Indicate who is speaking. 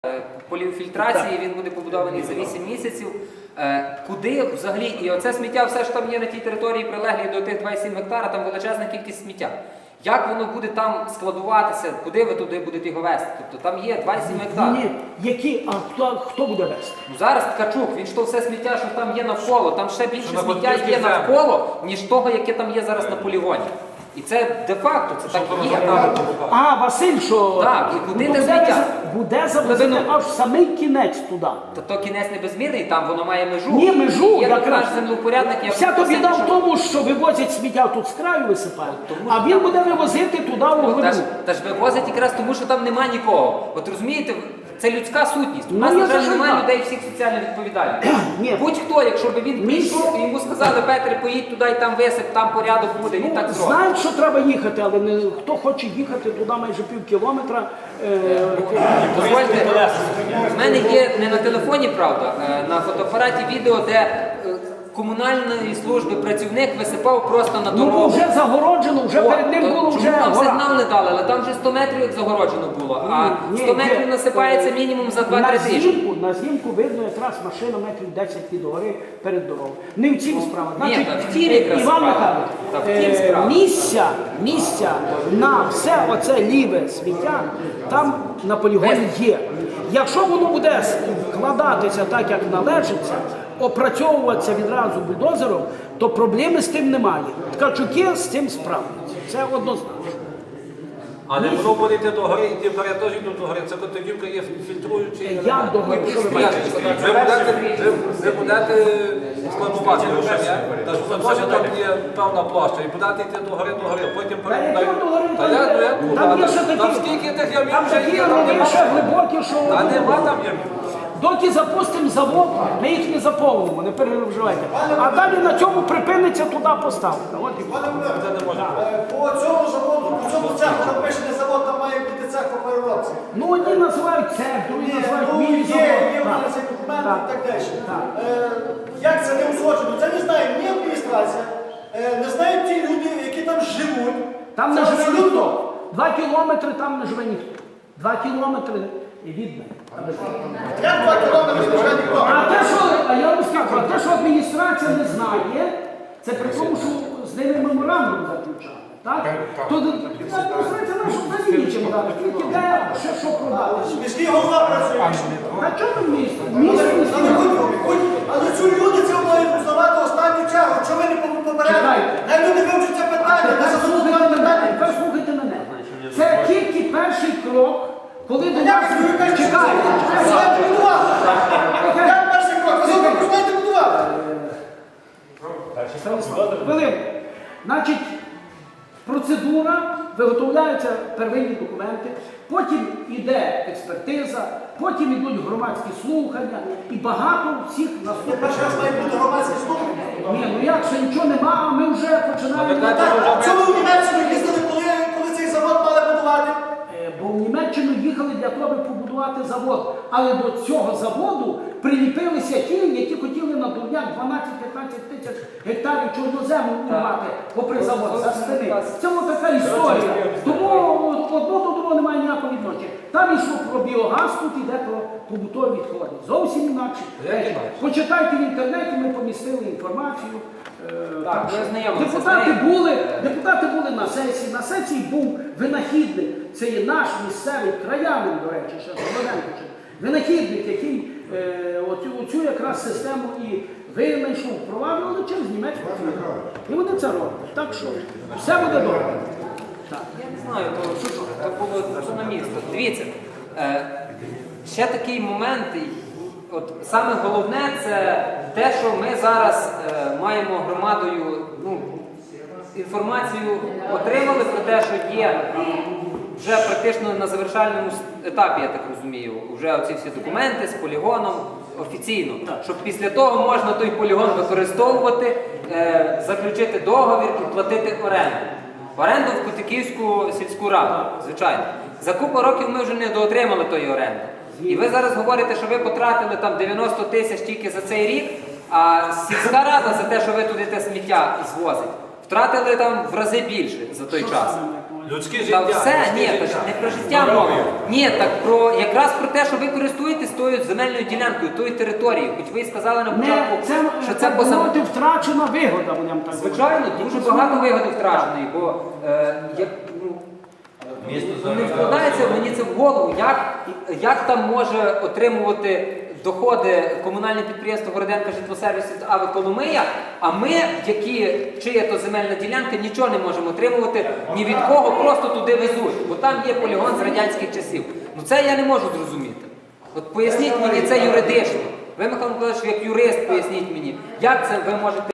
Speaker 1: поліфільтрації, він буде побудований за 8 місяців. Куди взагалі, і оце сміття, все що там є на тій території, прилеглі до тих 2,7 гектара, там величезна кількість сміття. Як воно буде там складуватися, куди ви туди будете його вести? Тобто там є 2,7 гектар.
Speaker 2: Ні, які, а хто буде вести?
Speaker 1: Ну, зараз Ткачук, він ж то все сміття, що там є навколо, там ще більше сміття є навколо, ніж того, яке там є зараз на полігоні. І це де-факто, це так і є.
Speaker 2: А, Василь, що
Speaker 1: Так, і куди те сміття?
Speaker 2: Буде завезено аж самий кінець туди.
Speaker 1: То кінець небезмірний, там воно має межу.
Speaker 2: Ні, межу,
Speaker 1: Є
Speaker 2: якраз.
Speaker 1: наш землевпорядник.
Speaker 2: Вся то біда в тому, що вивозять сміття тут з краю висипають, а він буде вивозити туди в глибину.
Speaker 1: Та ж вивозять якраз тому, що там нема нікого. От розумієте, це людська сутність. У
Speaker 2: Ну,
Speaker 1: нас,
Speaker 2: я
Speaker 1: на жаль,
Speaker 2: за
Speaker 1: немає
Speaker 2: життя.
Speaker 1: людей всіх соціально відповідальних.
Speaker 2: Ні.
Speaker 1: Будь-хто, якщо б він прийшов і йому сказали, Петре, поїдь туди і там висип, там порядок буде, він так зробить.
Speaker 2: Знають, що треба їхати, але не, хто хоче їхати туди майже пів кілометра.
Speaker 1: Дозвольте, в мене є не на телефоні, правда, на фотоапараті відео, де комунальної служби працівник висипав просто на
Speaker 2: Ну, бо
Speaker 1: дорогу.
Speaker 2: вже загороджено, вже перед ним було
Speaker 1: Чому
Speaker 2: вже
Speaker 1: там
Speaker 2: гора.
Speaker 1: сигнал не дали, але там вже 100 метрів як загороджено було, а 100 метрів насипається мінімум за 2-3 тижні.
Speaker 2: На знімку видно якраз машина метрів 10 від гори перед дорогою. Не в цім справа.
Speaker 1: Ні, та в тім якраз
Speaker 2: Іван
Speaker 1: справа.
Speaker 2: Михайлович,
Speaker 1: Та в тім справа.
Speaker 2: місця на все оце ліве сміття там на полігоні є. Якщо воно буде складатися так, як належиться, опрацьовуватися відразу бульдозером, то проблеми з тим немає. Ткачуки з цим справляться. Це однозначно.
Speaker 3: Але воно буде йти до гори, і ті вперед теж йдуть до гори. Це котодівка є фільтруючий.
Speaker 2: Як до гори? Що ви бачите?
Speaker 3: Ви будете складувати лише, та що теж там є певна площа, і будете йти до гори, потім
Speaker 2: яка до гори?
Speaker 3: Там
Speaker 2: є ще такі-
Speaker 3: скільки тих ямів
Speaker 2: Там
Speaker 3: вже
Speaker 2: такі
Speaker 3: є, там
Speaker 2: рови
Speaker 3: нема.
Speaker 2: ще глибокі, що...
Speaker 3: Та нема там ямів.
Speaker 2: Доки запустимо завод, ми їх не заповнимо, не переживайте. А далі на цьому припиниться туди поставка. От і все.
Speaker 4: По цьому заводу, по цьому цеху напишений завод, там має бути цех по переробці.
Speaker 2: Ну, одні називають цех, другі називають
Speaker 4: Ну,
Speaker 2: міні-завод.
Speaker 4: є в мене цей документ і так далі. Як це не узгоджено? Це не знає ні адміністрація, не знають ті люди, які там живуть.
Speaker 2: Там
Speaker 4: Це
Speaker 2: не живе
Speaker 4: абсолютно-
Speaker 2: ніхто. 2 кілометри там не живе ніхто. 2 кілометри від мене.
Speaker 4: Як 2 кілометри не живе ніхто?
Speaker 2: А я вам скажу, а те, що адміністрація не знає, це при тому, що з ними меморандум заключали. Так? То адміністрація наша взагалі нічим дати, тільки де, що продати.
Speaker 4: Міський голова працює.
Speaker 2: А чого ви місто? Місто
Speaker 4: Але цю люди це мають узнавати останню чергу. Що ви не попередили?
Speaker 2: Чекайте.
Speaker 4: Хай люди вивчать це питання, не зададуть нам питання.
Speaker 2: Тепер слухайте мене. Це тільки перший крок, коли до нас... Чекайте.
Speaker 4: Починайте будувати. Як перший крок? Ви завтра починайте будувати.
Speaker 2: Хвилинку. Значить, процедура, виготовляються первинні документи, потім іде експертиза, потім йдуть громадські слухання і багато всіх наступних.
Speaker 4: Перший раз має бути громадські слухання.
Speaker 2: Ні, ну як, ще нічого нема, а ми вже починаємо.
Speaker 4: Так, чому в Німеччину їздили, коли цей завод мали будувати?
Speaker 2: Бо в Німеччину їхали для того, аби побудувати завод. Але до цього заводу приліпилися ті, які хотіли на дурняк 12-15 тисяч гектарів чорнозему урвати попри завод за спини. Це ось така історія. Тому одно до другого немає ніякого відношення. Там йшло про біогаз, тут йде про побутові відходи. Зовсім інакше. Почитайте в інтернеті, ми помістили інформацію.
Speaker 1: Так, ми ознайомилися з
Speaker 2: Депутати були на сесії. На сесії був винахідник. Це є наш місцевий краянин, до речі, ще Солоденко. Винахідник, який оцю якраз систему і винайшов, впроваджували через німецьку фірму. І вони це роблять. Так що все буде добре. Так.
Speaker 1: Я не знаю, то було що на місто. Дивіться, ще такий момент, от саме головне це те, що ми зараз маємо громадою, інформацію отримали про те, що є вже практично на завершальному етапі, я так розумію, вже оці всі документи з полігоном офіційно, щоб після того можна той полігон використовувати, заключити договір і платити оренду. Оренду в Котиківську сільську раду, звичайно. За купу років ми вже не доотримали тої оренди. І ви зараз говорите, що ви потратили там 90 тисяч тільки за цей рік, а сільська рада за те, що ви туди те сміття звозите, втратили там в рази більше за той час.
Speaker 3: Людське
Speaker 1: Та
Speaker 3: життя.
Speaker 1: все,
Speaker 3: людське
Speaker 1: ні, та ж
Speaker 3: життя.
Speaker 1: не про життя мова. Ні, так про якраз про те, що ви користуєтесь тою земельною ділянкою, тою територією. Хоч ви і сказали на початку, що це
Speaker 2: так
Speaker 1: поза.
Speaker 2: мовити, втрачена вигода, будемо так
Speaker 1: Звичайно, дуже багато вигоди втраченої, бо не вкладається мені це в голову, як там може отримувати доходи комунальне підприємство Городенка житлосервіс АВ Коломия, а ми, чия то земельна ділянка, нічого не можемо отримувати ні від кого, просто туди везуть, бо там є полігон з радянських часів. Ну це я не можу зрозуміти. От поясніть мені це юридично. Ви, Михайло Миколаївич, як юрист, поясніть мені, як це ви можете